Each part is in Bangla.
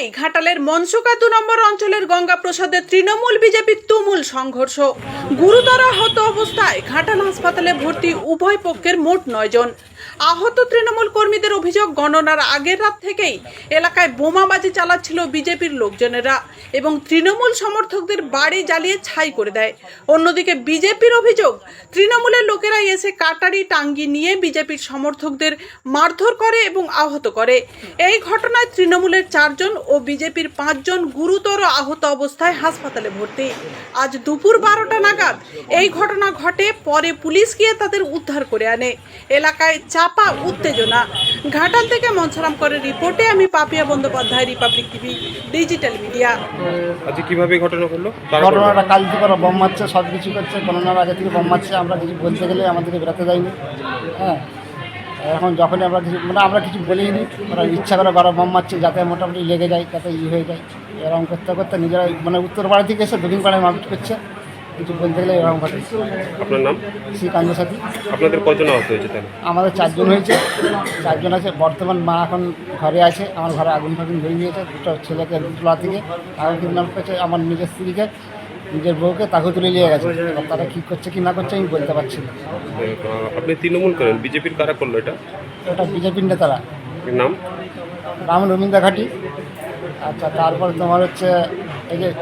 ঘিরেই ঘাটালের মনসুকা 2 নম্বর অঞ্চলের গঙ্গাপ্রসাদে তৃণমূল বিজেপির তুমুল সংঘর্ষ। গুরুতর আহত অবস্থায় ঘাটাল হাসপাতালে ভর্তি উভয় পক্ষের মোট 9 জন। আহত তৃণমূল কর্মীদের অভিযোগ, গণনার আগের রাত থেকেই এলাকায় বোমাবাজি চালাচ্ছিল বিজেপির লোকজনেরা এবং তৃণমূল সমর্থকদের বাড়ি জ্বালিয়ে ছাই করে দেয়। অন্যদিকে বিজেপির অভিযোগ, তৃণমূলের লোকেরাই এসে কাটারি টাঙ্গি নিয়ে বিজেপির সমর্থকদের মারধর করে এবং আহত করে। এই ঘটনায় তৃণমূলের 4 জন ও বিজেপির 5 জন গুরুতর আহত অবস্থায় হাসপাতালে ভর্তি। আজ দুপুর 12টা নাগাদ এই ঘটনা ঘটে। পরে পুলিশ গিয়ে তাদের উদ্ধার করে আনে। এলাকায় চাপা উত্তেজনা। ঘাটাল থেকে মনসারাম করে রিপোর্টে আমি Papiya Bandyopadhyay, Republic TV digital media. আজকে কিভাবে ঘটনা ঘটলো? ঘটনাটা কাল থেকে ওরা বম মারছে, সব কিছু করছে, গণনার আগে থেকে বম মারছে। আমরা কিছু বলতে গেলে আমাদেরকে বেরোতে দেয়নি। হ্যাঁ, এখন যখনই আমরা কিছু আমরা কিছু বলিনি, ওরা ইচ্ছা করে বারো বম মারছে যাতে মোটামুটি লেগে যায়, যাতে হয়ে যায়। এরকম করতে করতে নিজেরা উত্তর পাড়া থেকে এসে দক্ষিণ পাড়ায় মারপিট করছে। কিছু বলতে গেলে এরকম ঘটে। আপনার নাম? শ্রীকান্ত সাথী। আপনাদের কজন আহত হয়েছে তাহলে? আমাদের 4 জন হয়েছে, 4 জন আছে। বর্তমান মা এখন ঘরে আছে। আমার ঘরে আগুন ফাগুন ধরে নিয়েছে। দুটো ছেলেকে তোলা থেকে আগুন কিডন্যাপ করেছে। আমার নিজের স্ত্রীকে, নিজের বউকে, তাকে তুলে নিয়ে গেছে। এবার তারা কী করছে কি না করছে আমি বলতে পারছি না। আপনি তৃণমূল করেন, বিজেপির কারা করলো এটা? এটা বিজেপির নেতারা। নাম? রাম রবীন্দ্র ঘাটি। আচ্ছা, তারপরে তোমার হচ্ছে এই যে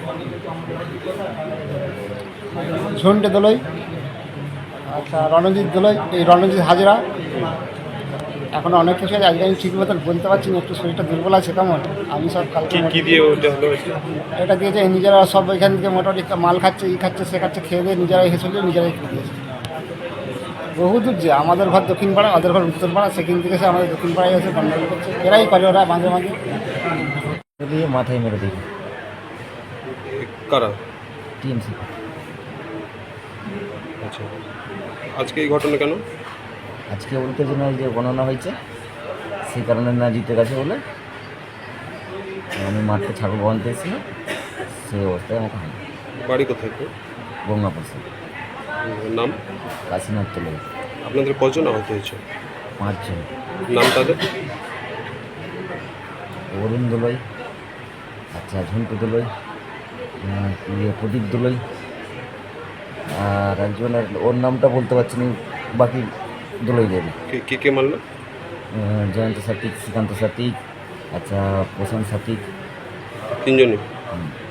ঝন্টে দোলই, আচ্ছা রণজিৎ দোলই, এই রণজিৎ হাজরা। এখন অনেক কিছু আছে, আজকে আমি ঠিক মতন বলতে পারছি না, একটু শরীরটা দুর্বল আছে। কেমন আমি সব কালকে কি দিয়ে ওটা হলো? এটা দিয়েছে নিজেরা, সব এখান থেকে মোটামুটি মাল খাচ্ছে, খাচ্ছে, সে খাচ্ছে, খেয়ে দিয়ে নিজেরাই হেসে নিজেরাই খেয়ে দিয়েছে। বহু দূর যে আমাদের ঘর দক্ষিণ পাড়া, ওদের ঘর উত্তর পাড়া, সেখান থেকে এসে আমাদের দক্ষিণ পাড়ায় এসে গন্ডগোল করছে। এরাই করে, ওরা মাঝে মাঝে দিয়ে মাথায় মেরে দিই। কারা? টিএমসি। আচ্ছা, আজকে এই ঘটনা কেন? আজকে উত্তেজনা যে গণনা হয়েছে সেই কারণে না জিতে গেছে বলে আমি মাঠে ছাগল বাঁধতে এসেছিলাম, সেই অবস্থায় আমাকে হয়। বাড়ি কোথায়? গঙ্গাপ্রসাদ। নাম? কাশীনাথ তোলে। আপনাদের কজন আহত হয়েছে? 5 জন। নাম তাদের? অরুণ দোলই, আচ্ছা ঝন্টু দোলই, প্রদীপ দোলই, আর একজনের ওর নামটা বলতে পারছি না, বাকি দোলই দেবে। কে কে মারলো? জয়ন্ত সাত্বিক, শ্রীকান্ত সাত্বিক, আচ্ছা প্রশান্ত সাত্বিক। 3 জনই?